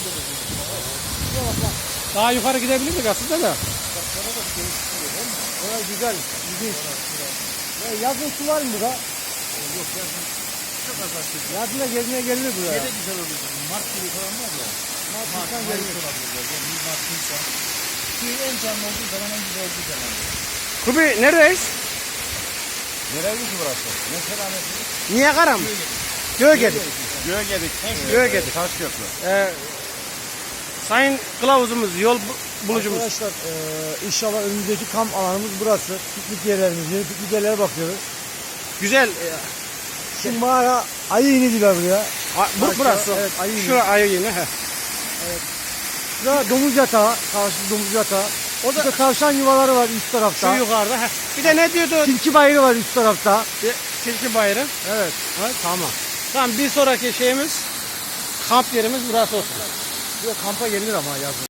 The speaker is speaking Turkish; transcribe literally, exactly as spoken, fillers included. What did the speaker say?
Daha yukarı gidebilirdik aslında da. Orası güzel, ilginç. Ya yazın su var mı burada? Yok yazın çok az açtık. Yazın da gezmeye gelinir buraya. Şey de güzel olur. Mart gibi falan var ya. Mart, Mart, Nisan Mayıs gelinir. olabilir. Yani Mart, Nisan. Suyu en canlı olduğu zaman en güzel olduğu zaman. Kubi neredeyiz? Nereydi ki burası? Mesela mesela. Niagara mı? Göğegedik. Göğegedik. Göğegedik. Taş köprü. Ee, sayın kılavuzumuz, yol bu- bulucumuz. Arkadaşlar e, inşallah önümüzdeki kamp alanımız burası. Piknik yerlerimiz, yeni piknik yerlere bakıyoruz. Güzel. e, Şu mağara ayı ini diyorlar buraya. a- bu Başka- burası. evet, ayı ini. Şura ayı yine. He. Burada domuz yatağı, karşı domuz yatağı. O da tavşan yuvaları var üst Şu tarafta. yukarıda. He. Bir de ne diyordu? Tilki bayırı var üst tarafta. Bir Tilki bayırı. Evet. Ha, tamam. Tamam, bir sonraki şeyimiz, kamp yerimiz burası olsun. Buraya kampa gelinir ama yazın.